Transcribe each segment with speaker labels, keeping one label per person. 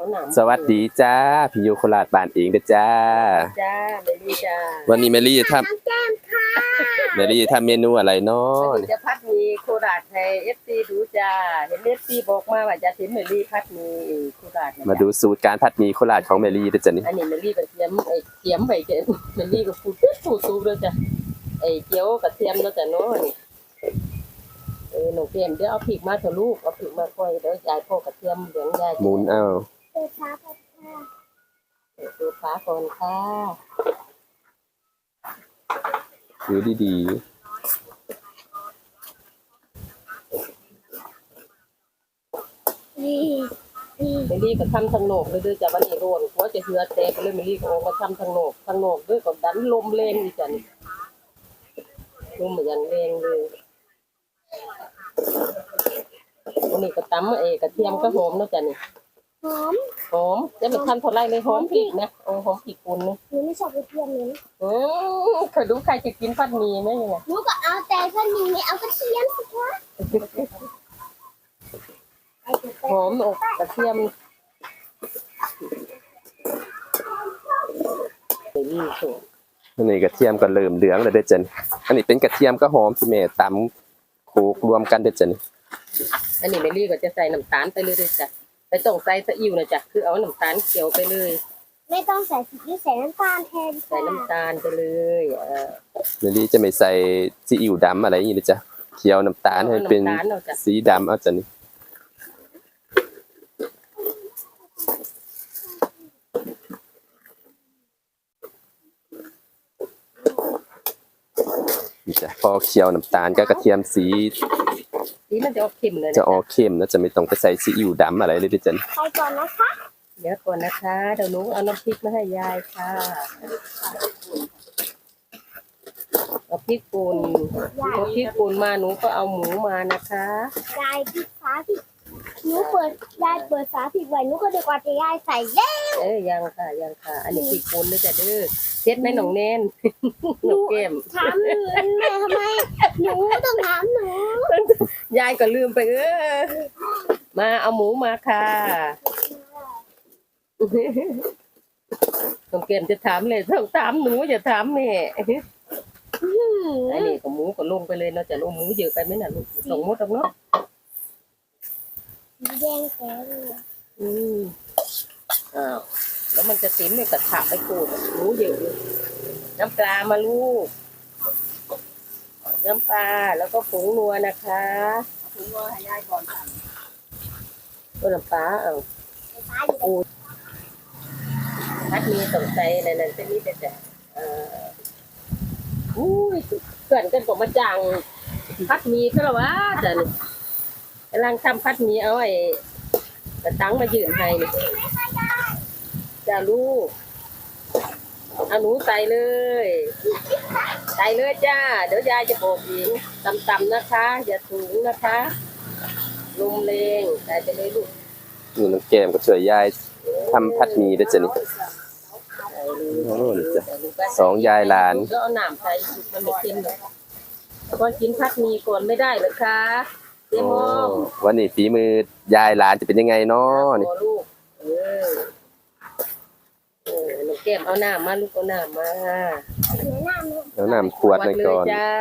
Speaker 1: หนาม
Speaker 2: สวัสดีจ้าพี่โยโคราชบ้านเองเด้อจ้า
Speaker 1: จ้าเมลี่จ้า
Speaker 2: วันนี้เมลี่จะทำเมลี่จะทำเมนูอะไรเนาะ
Speaker 1: วันนี้จะพัดมีโคราชให้ FC ดูจ้าเห็น FC บอกมาว่าจะเห็นเมลี่พัดมีโคราช
Speaker 2: มาดูสูตรการผัดหมี่โคราชของเมลี่เด้อจ้ะนี่
Speaker 1: อันนี้เมลี่กระเทียมเทียมไปเจเมลี่ก็พูดสูตรเลยจ้ะเกี๊ยวกระเทียมแล้วจ้ะเนาะนี่หนูเตรียมเดี๋ยวเอาพริกมาเถอะลูกเอาพริกมาค่อยเดี๋ยวยายพ่อกระเทียมเหลืองยาย
Speaker 2: หมุนเอา
Speaker 1: เปิดฟ้าก่อนค่ะ
Speaker 2: ดูดี
Speaker 1: เมลี่ก็ทำทางโหนกเลยด้วยจ้ะวันนี้โรนหัวจะเหือแตกเลยเมลี่ก็ออกมาทำทางโหนกด้วยก็ดันลมแรงอีจ้ะนี่ลมเหมือนแรงเลยวันนี้ก็ตำกระเทียมก็หอมเนาะจ้ะนี่หอมจะไปทำเท่าไรเลยหอมพริกนะหอมพริกป่นนะ
Speaker 3: หนูไม่ชอบกระเทียมเลย
Speaker 1: เคยดูใครจะกินผัดหมี่ไหมยังไง
Speaker 3: หนูก็เอาแต่ผัดหมี่ไม่เอากระเทียมสิคะ
Speaker 1: หอมอกกระเทียมนี่สุด
Speaker 2: อันนี้กระเทียมก็เริ่มเหลืองแล้วเด้อจ้ะนี่อันนี้เป็นกระเทียมก็หอมที่แม่ตำโขลกรวมกันเด้อจ้ะนี่
Speaker 1: อันนี้เมลี่ก็จะใส่น้ำตาลไปเลยจ้ะไม่ต้องใส่ซีอิ๊วนะจ้ะคือเอาน้ำตาลเขียวไปเลย
Speaker 3: ไม่ต้องใส่ซีอิ๊วใส่น้ำตาลแทน
Speaker 1: ใส่น้ำตาลไปเลย
Speaker 2: เมลี่จะไม่ใส่ซีอิ๊วดำอะไรอย่างนี้เลยจ้ะเคี่ยวน้ำตาลให้เป็นสีดำเอาจ้ะนี่จ้ะพอเคี่ยวน้ำตาลกับกระเทียมสี
Speaker 1: มันจะออกเค็มเลย
Speaker 2: จะออกเค็มนะจะไม่ต้องไปใส่ซีอิ๊วดำอะไรเลยดิจัน
Speaker 3: ไปก่อนนะคะ
Speaker 1: เดี๋ยวก่อนนะคะเดี๋ยวหนูเอาน้ำพริกมาให้ยายค่ะเอาพริกป่นมาหนูก็เอาหมูมานะคะ
Speaker 3: ยายพริกฟ้าพริกหนูยายเปิดฝาพริกไว้หนูก็นึกว่าจะยายใส่แล้ว
Speaker 1: ยังค่ะอันนี้พริกป่นเลยจ้ะเด้อเช็ดไหมน้องเน้นน้องเกม
Speaker 3: ถามแม่ทำไมหนูต้องถามหนู
Speaker 1: ยายก็ลืมไปมาเอาหมูมาค่ะน้องเกมจะถามเลยต้องถามหนูอย่าถามแม่อันนี้ก็หมูก็ลงไปเลยเนาะจะลงหมูเยอะไปไหมน่ะลูกส่งหมดแล้วเนาะ
Speaker 3: แดงแก่
Speaker 1: อ้าวแล้วมันจะติ๋มเนี่ยกระถาไปกูดหมูเยอะน้ำปลามาลูกน้ำปลาแล้วก็ผงนัวนะคะผงนัวให้ยายก่อนค่ะก็น้ำปลาปูพัดมีสงสัยอะไรนั่นจะมีแต่อุ้ยเกินกันกว่ามาจังพัดมีซะแล้ววะจ้ะนี่กำลังทำพัดมีเอากระตังมายืนให้จ้าลูกเอาหนูใส่เลยจ้าเดี๋ยวยายจะบอกหญิงต่ำๆนะคะอย่าสูงนะคะลมแรงใส่ไปเลยลูก
Speaker 2: นี่น้องแก้มก็ช่วยยายทำผัดหมี่ด้วยจ้ะนี่สองยายหลาน
Speaker 1: ก็เอาหนามใส่มันไม่เค็มหรอกก่อนกินผัดหมี่ก่อนไม่ได้หรอคะเจ๊มอง
Speaker 2: วันนี้ฝีมือยายหลานจะเป็นยังไงเนาะนี่
Speaker 1: ลูกน้องแก้มเอาน้ำมาลูกเอาน้ำมา
Speaker 2: เอาน้ำขวดหน่อยก่อน
Speaker 1: จ้า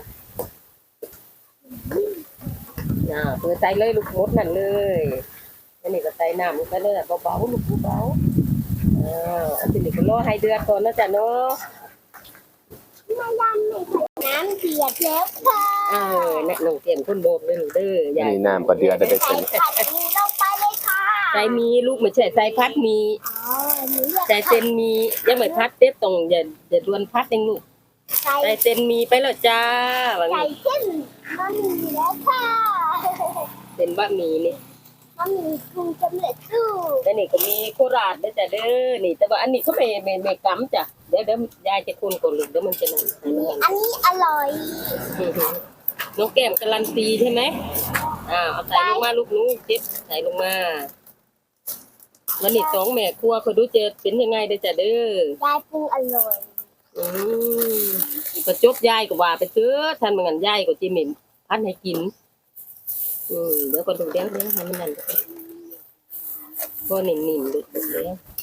Speaker 1: เปิดใจเลยลูกมดนั่นเลยอันนี้ก็ใส่น้ำลงไปเลยเบาๆลูกเบาอันนี้ก็รอให้เดือดก่อนนะจ๊ะเนาะ
Speaker 3: น้ำเดือดแล้วค่ะ
Speaker 1: เนี่ยน้องแก้มคนโบกเลยหนูเด้อ
Speaker 2: นี่น้ำก็เดือดได้
Speaker 3: ใส่ผัดหมี่ลงไปเลยค่ะ
Speaker 1: ใส่มีลูกไม่ใช่ใส่พัดมีใส่เต็มมียังไม่พัดเต็มตรงอย่าดวนพัดเองลูกใส่เต็มมีไปแล้วจ้า
Speaker 3: ใส่เส้นบะหมี่แล้วค่ะ
Speaker 1: เป็นบะหมี่นี่
Speaker 3: บะหมี่ปรุงสำเร็จรูป
Speaker 1: แต่นี่ก็มีโคราชด้วยจ้ะเด้อนี่แต่ว่าอันนี้เขาไม่กำจ้ะเดี๋ยวยายจะคนก่อนลูกเดี๋ยวมันจะนั่น
Speaker 3: อันนี้อร่อย
Speaker 1: น้องแก้มการันตีใช่ไหมเอาใส่ลงมาลูกนู้เจ็บใส่ลงมาวันนี้สองแม่ครัวเขาดูเจอเป็นยังไงเด้อจ้ะเด้
Speaker 3: อยายปรุงอร่อย
Speaker 1: ก็จบยายก็ว่าไปเถอะท่านเหมือนกันยายก็จิเหม็นพัดให้กินเดี๋ยวก็ดูเดี๋ยวให้มันนั่นก็นิ่มๆเลย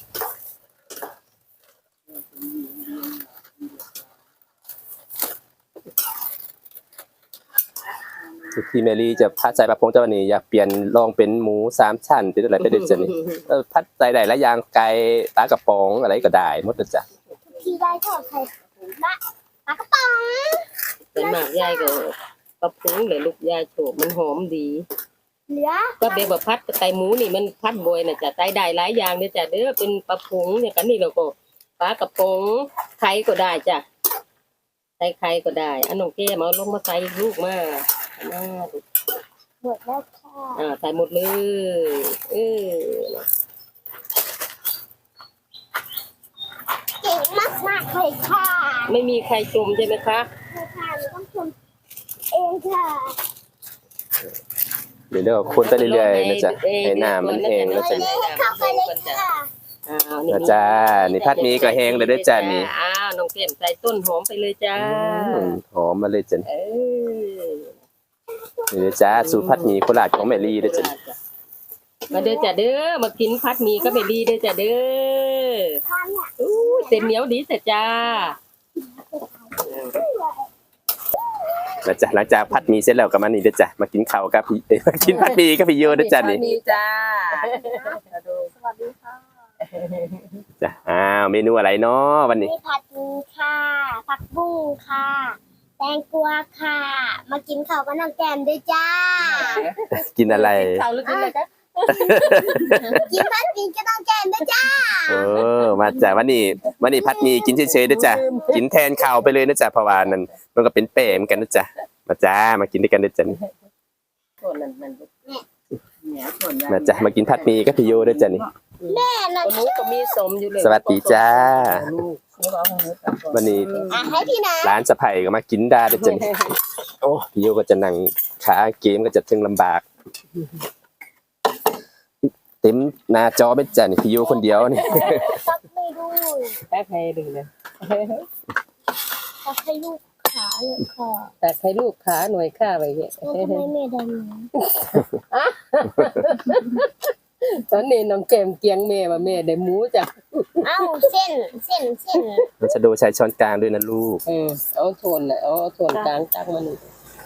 Speaker 2: ที่แมรี่จะพัดใส่ปลาพงเจ้าวันนี้อยากเปลี่ยนลองเป็นหมู3 ชั้นเป็นอะไรไปเด็ดจ้ะนี่พัดใส่ได้หลายอย่างไก่ปลากระป๋องอะไรก็ได้หมดเลยจ้ะ
Speaker 3: พี่ได้ทอดไข่ปลากระป๋อง
Speaker 1: แต่หมากยายก็ปลาพุงเลยลูกยายโฉบมันหอมดี
Speaker 3: เหลือ
Speaker 1: ก็เบบว่าพัดไก่หมูนี่มันพัดบ่อยน่ะจ้ะไก่ได้หลายอย่างเด้อจ้ะเด้อเป็นปลาพุงเนี่ยกันนี่เราก็ปลากระป๋องไข่ก็ได้จ้ะใส่ไข่ก็ได้อันน้องแก้มเอาลงมาใส่ลูกมามา
Speaker 3: หมดแล้วค่ะ
Speaker 1: ใส่หมดเลย
Speaker 3: เก่งมากๆเลยค่ะ
Speaker 1: ไม่มีใครชมใช่ไหมคะ
Speaker 3: ค่ะหนูต้องทำเองค่ะ
Speaker 2: เดี๋ยวคนไปเรื่อยๆนะจ๊ะให้น้ำมันแห้งแล้วจ้ะ
Speaker 3: เข้าไปเลยค่ะ
Speaker 2: นะจ๊ะนี่พัดหมีก็แห้งเลยเด้อจ้ะนี่
Speaker 1: น้องเข็มใส่ต้นหอมไปเลยจ้า
Speaker 2: หอมมาเลยจ้ะ
Speaker 1: เออ
Speaker 2: นี่เด้อจ้าสูตรพัดหมีโคราชของแมรี่เด้อจ้ะ
Speaker 1: มาเด้อจ้ะเด้อมากินพัดหมีก็ไม่ดีเด้อจ้ะเด้อ
Speaker 3: ข้าวเนี่ย
Speaker 1: อู้เส้นเหนียวดีเสร็จจ้า
Speaker 2: นะจ๊ะหลังจากพัดหมีเสร็จแล้วก็มานี่เด้อจ้ะมากินข้าวกับพี่มากินพัดหมีกับพี่โยเด้อจ้ะนี่
Speaker 1: มีจ้า
Speaker 3: สวัสดีค่ะ
Speaker 2: จ้ะเมนูอะไรเนาะวันนี้
Speaker 3: มีผัดหมีค่ะผักบุ้งค่ะ แตงกวาค่ะ มากินข้าวกับน้องแก้มด้วยจ้า
Speaker 2: กินอะไร
Speaker 1: ข้าวหรือกินอะไรคะ
Speaker 3: กินผัดหมีกับน้องแก้มด้วยจ้า
Speaker 2: มาจ้ะวันนี้พัดหมีกินเฉยๆเด้อจ้ะกินแทนข้าวไปเลยนะจ๊ะเพราะว่านั่นมันก็เป็นแป้งเหมือนกันนะจ๊ะมาจ้ามากินด้วยกันเด้อจ้ะนี่
Speaker 1: ส่วนนั้นมันเนี่ยส่วน
Speaker 2: มาจ้ะมากินผัดหมีกับพี่โยเด้อจ้ะนี่
Speaker 3: แม่น่ะ
Speaker 1: คนนู้นก็มีสมอยู่เลย
Speaker 2: สวัสดีจ้า
Speaker 1: ลูก
Speaker 2: วันนี้
Speaker 3: ให้พี่นะ
Speaker 2: ร้านสะไผ่ก็มากินได้เด้อจ้ะนี่โอ้พี่โยก็จะนั่งขาเกมก็จะถึงลำบาก เต็มหน้าจอเป็นจ้ะนี่พี่โยคนเดียวนี่
Speaker 3: ตักไม่ดู
Speaker 1: แป๊บให้ดึงเลย
Speaker 3: ตักให้ลูกขาเลยค่ะ
Speaker 1: แต่ให้ลูกขาหน่วยข้าไปเนี่ย
Speaker 3: แล้วทำไมแม่ดำน้
Speaker 1: ตอนนี้น้องเกมเกียงแม่ว่าแม่ได้หมูจ้ะ
Speaker 3: ำเอ้าเส้น
Speaker 2: มันจะโดใช้ช้อนกลางด้วยนะลูก
Speaker 1: เอาโทนน่ะเอาโทนกลางตักมานี่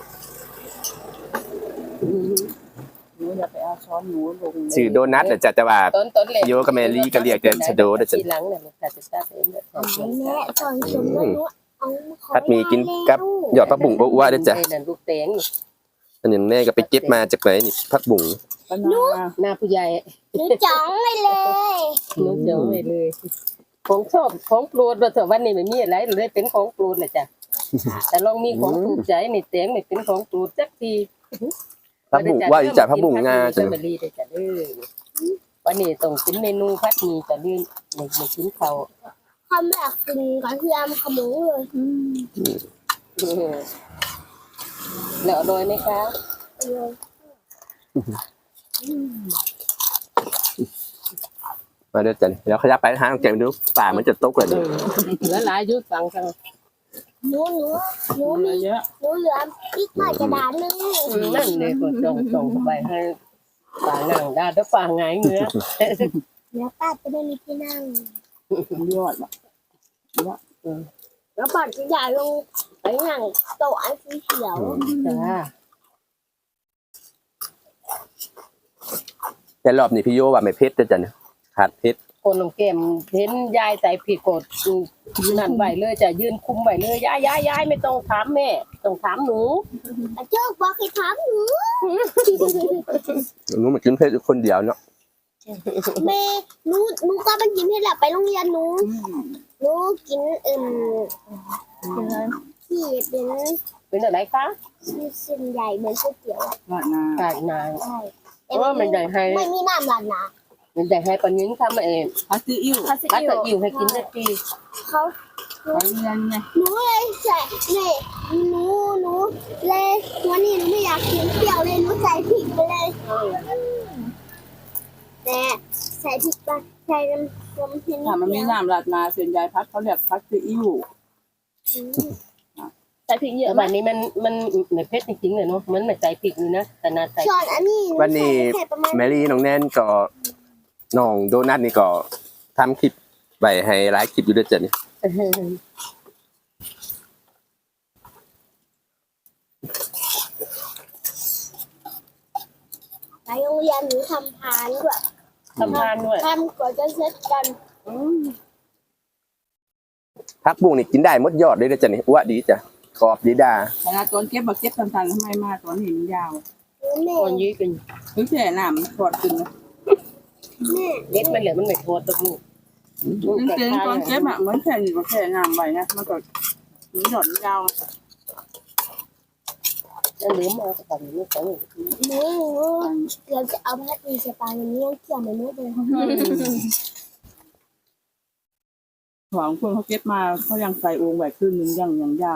Speaker 4: หนูอย่าไปเอาช้อนหนูลง
Speaker 2: ชื่อโดนัทน่ะจ้ะแต่ว่า
Speaker 1: ต้นแรก
Speaker 2: โยกับแมรี่ก็เรียกแต่ชะโดเด้อจ้ะ
Speaker 1: ทีหลังเนี่ยมันจะตักเองเนี่ย
Speaker 3: แม่สอนชมว่าหนูเอาขอ
Speaker 2: ผัดหมีกินกับหยอดผักบุ้งอ้วนๆเด้อจ้ะ
Speaker 1: นั่นลูกแตง
Speaker 2: อันนี้แม่ก็ไปเก็บมาจากไหนนี่ผักบุ้ง
Speaker 4: ปนา
Speaker 1: หน้าผู้ใหญ่
Speaker 3: หนูจ้องไปเลย
Speaker 1: นู้เจ๋งเลยของชอบของโปรดว่าเถอะวันนี้ไม่มีอะไรเลยเป็นของโปรดน่ะจ้ะแต่ลองมีของถูกใจนี่แตงนี่เป็นของโปรดสักที
Speaker 2: ผักบุ้งว่าอยู่จ้ะผักบุ้งงาจ้ะ
Speaker 1: จะมาดีได้จ้ะเด้อวันนี้ต้องกินเมนูผัดหมี่จ้ะลืมไม่กินข้าว
Speaker 3: คำแบบกินกระเทียมขมูเลย
Speaker 1: แล้วอร่อยไหมคะ
Speaker 2: มาเด้อจ้ะแล้วขยับไปทางแกมดูป่ามันจะตกเลยนี่
Speaker 1: แล้วหลายยุดฟังกัน
Speaker 3: หนูมี
Speaker 4: เยอะ
Speaker 3: หนูเหลืออีกหน่อยกระดาษนึง
Speaker 1: นั่นเลยก็ส่งเข้าไปให้ป่านั่งได้ถ้าป่าหงายเนื้อ
Speaker 3: แล้วป้าจะได้มีที่นั่ง
Speaker 4: ยอดว่ะ
Speaker 3: แล้วป้าจะย้ายลงไปนั่งโต๊ะอันสีเขียว
Speaker 1: จ้า
Speaker 2: แต่รอบนี้พี่โยว่าไม่เผ็ดเด้อจ้ะเนี่ยขาดเผ็ด
Speaker 1: คนลงเกมเห็นยายใส่ผิดกฎนั่นไหวเลยจะยืนคุมไหวเลยยายไม่ต้องถามแม่ต้องถามหนู
Speaker 3: แต่เจ้าบอกให้ถามหนู
Speaker 2: หนูมากินเผ็ดอยู่คนเดียวเนาะ
Speaker 3: แม่หนูก็ไปกินให้แหละไปโรงเรียนหนูกินที่เป็น
Speaker 1: อะไรคะ
Speaker 3: เส้นใหญ่เหมือนก๋วยเตี๋ยวอะ
Speaker 4: ราดหน้า
Speaker 1: ตายนาน
Speaker 3: ใช่
Speaker 1: เพราะว่ามันใหญ่ให้
Speaker 3: ไม่มีน้ำราดนะ
Speaker 1: มันใหญ่ให้ปนิงทำเอง
Speaker 4: พัดซีอิ๊ว
Speaker 1: กัดตะอิ่วให้กินสักที
Speaker 3: เขา
Speaker 4: ไปเรียนไง
Speaker 3: หนูเลยใส่เนี่ยหนูเลยวันนี้หนูไม่อยากกินเปรี้ยวเลยหนูใส่พริกไปเลยแต่ใส่พริกไปใส่น้ำเค็ม
Speaker 4: ถ้ามันมีน้ำราดหน้าส่วนใหญ่พัดเขาเรียกพัดซีอิ๊ว
Speaker 1: ใส่พริกเยอะแบบนี้มันไม่เผ็ดจริงๆเลยเนาะมันไม่ใส่พริกเลยนะแต่น่าใส่
Speaker 3: ช้อนอันนี้
Speaker 2: วันนี้
Speaker 3: ใส่ประมาณ
Speaker 2: แมรี่น้องแนนก็น้องโดนัทนี่ก็ทำคลิปไว้ให้หลายคลิปอยู่ด้วยจ้ะนี่
Speaker 3: ไปโรงเรียนหนูทำพานด้วย
Speaker 1: ทำงานด้วย
Speaker 3: ทำก่อนจะเสร็จกัน
Speaker 2: ผักบุ้งนี่กินได้หมดยอดเลยนะจ้ะนี่อ้วดีจ้ะกรอบดีดา
Speaker 4: เวลาตอนเก็บมาเก็บตันๆทำไมมาตอนเห็นยาว
Speaker 3: แม่
Speaker 1: คนยื้อกัน
Speaker 4: ถึงแช่น้ำมันถอดขึ้นนะ
Speaker 3: แม่
Speaker 1: เล็ดมันเหลือมันไม่โทษตกลูก
Speaker 4: จริงๆตอนเก็บอะเหมือนแช่นี่ก็แช่น้ำไว้นะมันก็ถึงหย่อนยาว
Speaker 1: แล้วเหลือมาก่อนนี่ของ
Speaker 3: หนูเราจะเอาพัดมีสปาอย่างนี้ยังเกี่ยวไม่รู้เลย
Speaker 4: ของคนเขาเก็บมาเขายังใส่โอ่งไว้ครึ่งนึงยังยาว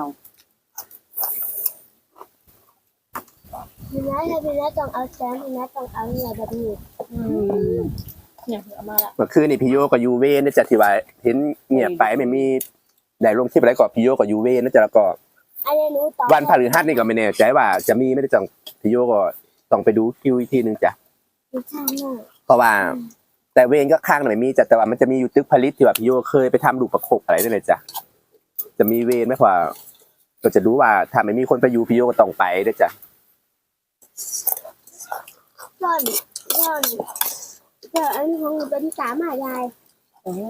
Speaker 3: พี่นัทถ้าพี่นัทต้องเอาแซมพี่นัทต้องเอาเนื้อแบบนี้
Speaker 1: เนี่ยเอามาละ
Speaker 2: เมื่อคืนนี่พี่โยกับยูเว่นะจ๊ะที่ว่าเห็นเงียบไปไม่มีได้ลงคลิปอะไรก็พี่โยกับยูเว่นะจ๊ะแล้วก็
Speaker 3: อันนี้หนูต่อ
Speaker 2: วันพฤหัสนี่ก็ไม่แน่ใจว่าจะมีไม่ได้จังพี่โยก็ต้องไปดูคิวอีกทีนึงจ้ะ
Speaker 3: ไม่ใช่แม่
Speaker 2: เพราะว่า แต่เวรก็ข้างหน่อยมีจ้ะแต่ว่ามันจะมีอยู่ตึกผลิตที่ว่าพี่โยเคยไปทำลูกประคบอะไรได้เลยจ้ะจะมีเวรไหมกว่าก็จะรู้ว่าถ้าไม่มีคนไปอยู่พี่โยก็ต้องไปด้วยจ้ะ
Speaker 3: ซ่อนเดี๋ยวอันนี้ของหนูเป็นสามหายาย
Speaker 1: โอ้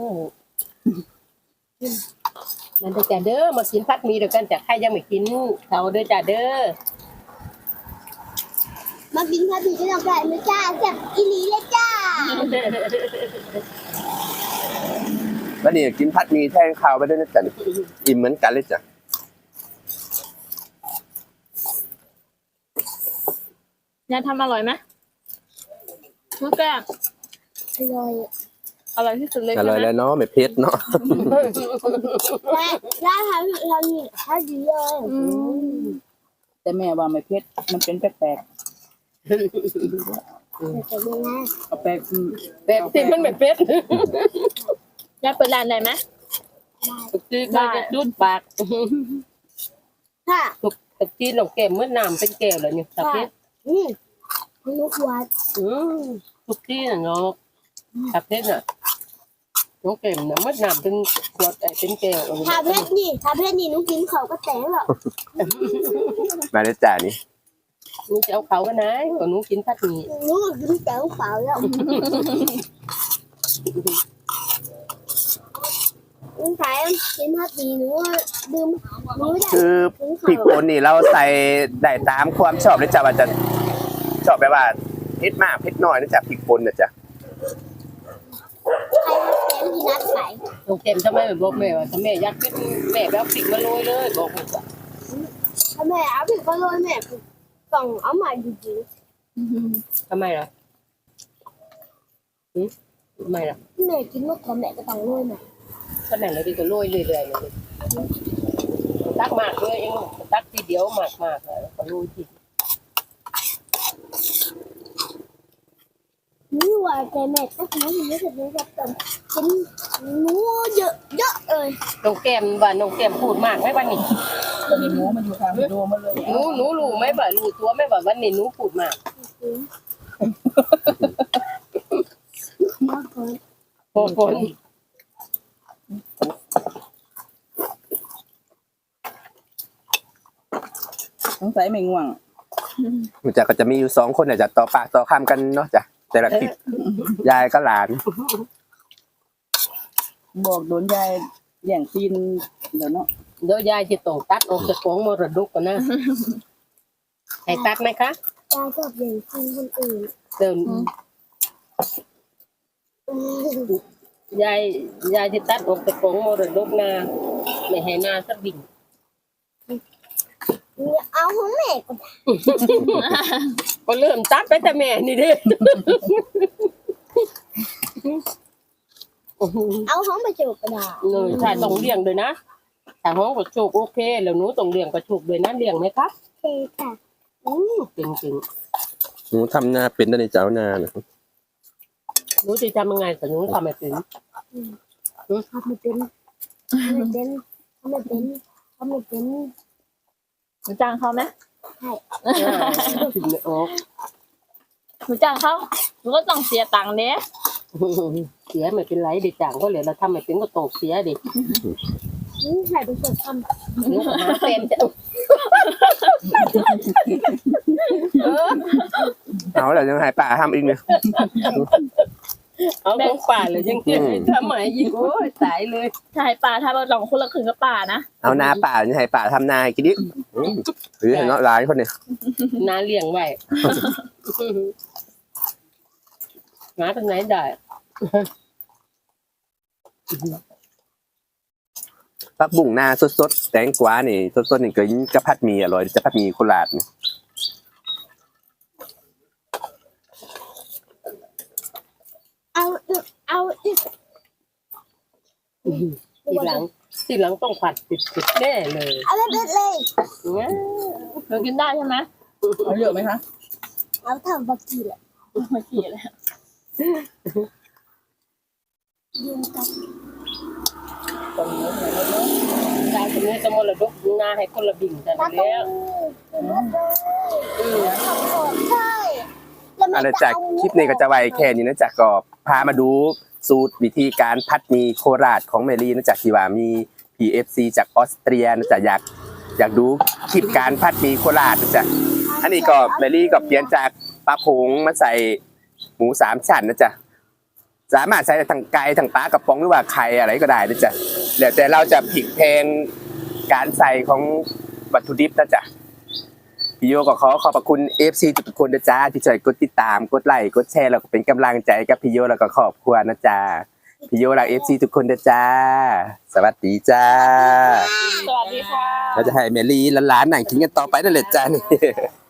Speaker 1: มันจะเด้อมากินพัดมีเดียวกันแต่ใครยังไม่กินเขาเด้อจ้าเด้อ
Speaker 3: มากินพัดมีจะต้องการไหมจ้าแซ่บอีหลีเลยจ้า
Speaker 2: แล้วนี่กินพัดหมีแทนข้าวไปด้วยนะจ๊ะอิ่มเหมือนกันเลยจ้ะ
Speaker 5: ยายทำอร่อยไหมน้องแก้ม
Speaker 3: อร่อย
Speaker 5: อร่อยที่สุดเลย
Speaker 2: อ
Speaker 5: ใช่
Speaker 2: ร่อย
Speaker 5: ไหม
Speaker 2: แล้วเนาะไม่เผ็ดเนาะ
Speaker 3: และทำนี่ให้ดีเลย
Speaker 4: แต่แม่ว่าไม่เผ็ดมันเป็นแปลก
Speaker 3: แต่ยังไง
Speaker 4: ๆเอาแปลก
Speaker 1: แต่ที่มันไม่เป็ด
Speaker 5: ยายเปิดร้านได้ไหม
Speaker 1: ที่ก็จะดุดปาก
Speaker 3: ค่ะ
Speaker 1: ตะกี้หลงแก้มเมื่อน้ำเป็นแก้วเลยเนี่ยตะเพชร
Speaker 3: ลูกวัด
Speaker 1: ทุกที่น่ะเนาะตะเพชรน่ะน้องแก้มน่ะเมื่อน้ำเป็นขวดเป็นแก้ว
Speaker 3: ถ้าเพชรนี่หนูกินเขาก็แตงหรอก
Speaker 2: มาเลยจ้ะนี่
Speaker 1: หนูจะเอาเขากันนะก็หนูกินพัดหมี
Speaker 3: หนูก็กินแตงเปล่าแล้วลุงชายกินพัดดีหนูดื่มหนูได้
Speaker 2: คือ
Speaker 3: กิน
Speaker 2: พริก
Speaker 3: เขา
Speaker 2: ป่นนี่เราใส่ได้ตามความชอบเลยจ้ะว่าจะชอบแบบว่าเผ็ดมากเผ็ดน้อยนะจ๊ะพริกป่นนะจ๊ะ
Speaker 3: ใครมาแตงที่นัดใส่
Speaker 1: น้องแก้มทำไมไม่บอกแม่ว่าถ้าแม่อยากเป็นแม่แบบพริกมาโรยเลยบอกลูกว่า
Speaker 3: ถ้าแม่เอาผิดก็โรยแม่ต้องเอามาจริง
Speaker 1: ทำไมล่ะทำไมล่ะ
Speaker 3: ๆแม่กินมะเขือแม่ก็ต้องโรยแม่
Speaker 1: ก็นั่นเลยดีก็โรยเรื่อยๆเลยตักมากเลยเองตักทีเดียวมากเลยก็โรยที
Speaker 3: นี่ว่าแต่แม่ก็ทำให้รู้สึกแบบกินหนูเยอะเลย
Speaker 1: น้องแก้มว่าน้องแก้มพูดมากไหมวันนี้
Speaker 4: ตอนนี้หมูมันอยู่ทางโดมาเลย
Speaker 1: หนูรู้ไหมว่ารู้ตัวไหมว่าวันนี้หนูพูดมาก
Speaker 3: มากเลย
Speaker 1: พอคน
Speaker 4: สงสัยไม่ง่วง
Speaker 2: มันจะก็จะมีอยู่2คนเนี่ยจะต่อปากต่อคำกันเนาะจ้ะแต่ละคลิปยายก็หลาน
Speaker 4: บอกโดนยายแย่งซีนเดี๋ยวเนาะ
Speaker 1: เดี๋ยวยายจะต้องตัดออกจากของมรดกกันนะให้ตัดไหมคะ
Speaker 3: ยายชอบอย่างกินคนอื่น
Speaker 1: เดินยายจะตัดออกจากของมรดกนาไม่ให้นาสักบิ่ง
Speaker 3: เอาของแม่ก็
Speaker 1: ก็เริ่มตัดไปแต่แม่นี่เด้
Speaker 3: เอาของไปจูบก็ได้
Speaker 1: เลยใช่ต้องเลี้ยงด้วยนะถ้าห้องกระโชกโอเค แล้วหนูต้องเลี้ยงกระโชกด้วยนะเลี้ยงไหมครับ
Speaker 3: โอเคค่ะ
Speaker 1: จริง
Speaker 2: หนูทำนาเป็นได้ในเจ้านานะ
Speaker 1: ๆหนูจะทำยังไงแต่หนูทำไม่เป็น
Speaker 3: ทำไม่เป็นทำไม่เป็นทำไม่เป็นทำไม่เป็น
Speaker 5: หนูจ้างเขาไหม
Speaker 1: ถึงไม่ออก
Speaker 5: หนูจ้างเขาหนูก็ต้องเสียตังค์เนี้ย
Speaker 1: เสียไม่เป็นไรเด็กจางก็เลยเราทำไม่เป็นก็ตกเสียดิ
Speaker 3: ใครเป็นคนท
Speaker 1: เดี๋ยวหาเป็นจะ
Speaker 2: เอาแล้วยังหายป่าทำอีกเนี่ย
Speaker 1: เอาของป่าเลยยังเก็บไม่ทำไมยิงโอ้ยตายเลย
Speaker 5: ชายป่าถ้าเราลองคนละครึ่งกับป่านะ
Speaker 2: เอานาป่ายังหายป่าทำนาให้กินดิหรือเห็นเนาะร้ายคนเนี่ย
Speaker 1: น้าเลี้ยงไว้หาทางไหนได้
Speaker 2: ผักบุ้งนาสดๆแตงกวานี่สดๆนี่ก็ยิ่งกะพัดหมีอร่อยจะพัดหมีโคราชนี่
Speaker 3: ำเอาอีก
Speaker 1: ทีหลังต้องผัดติดแน่เลย
Speaker 3: เอาเด็ดเลย
Speaker 5: เธอกินได้ใช่ไหม
Speaker 4: เอาเยอะไหมคะ
Speaker 3: เอาทำบักกี้แหละ
Speaker 5: ไม่กี่เลย
Speaker 3: ยืนกัน
Speaker 1: ตรงนี้ตายตรงนี้จะมรดกนาให้คนละบิ่งแต่
Speaker 3: ตาตรง
Speaker 1: แล้ว
Speaker 3: นี้ทำโสดใช่แล้ว
Speaker 2: อั
Speaker 3: แม่
Speaker 2: นจากคลิปนี้ก็จะไว้แค่นี้นะจ๊ะก็พามาดูสูตรวิธีการพัดหมีโคราชของเมลี่นะจ๊ะที่ว่ามี PFC จากออสเตรียนะจ๊ะอยากดูคลิปการพัดหมีโคราชนะจ๊ะอันนี้ก็เมลี่ก็เปลี่ยนจากปลาผงมาใส่หมู3ชั้นนะจ๊ะสามารถใส่ทั้งไก่ทั้งปลากระป๋องหรือว่าไข่อะไรก็ได้นะจ๊ะแล้วแต่เราจะพลิกแพลงการใส่ของวัตถุดิบนะจ๊ะพี่โยก็ขอบพระคุณ FC ทุกคนนะจ๊ะที่ช่วยกดติดตามกดไลค์กดแชร์แล้วก็เป็นกำลังใจกับพี่โยแล้วก็ครอบครัวนะจ๊ะพี่โยรัก FC ทุกคนนะจ๊ะสวัสดีจ้า
Speaker 5: สวัสดีค่ะ
Speaker 2: เราจะให้เมลี่หลานๆนั่งกินกันต่อไปนั่นแหละจ้านี่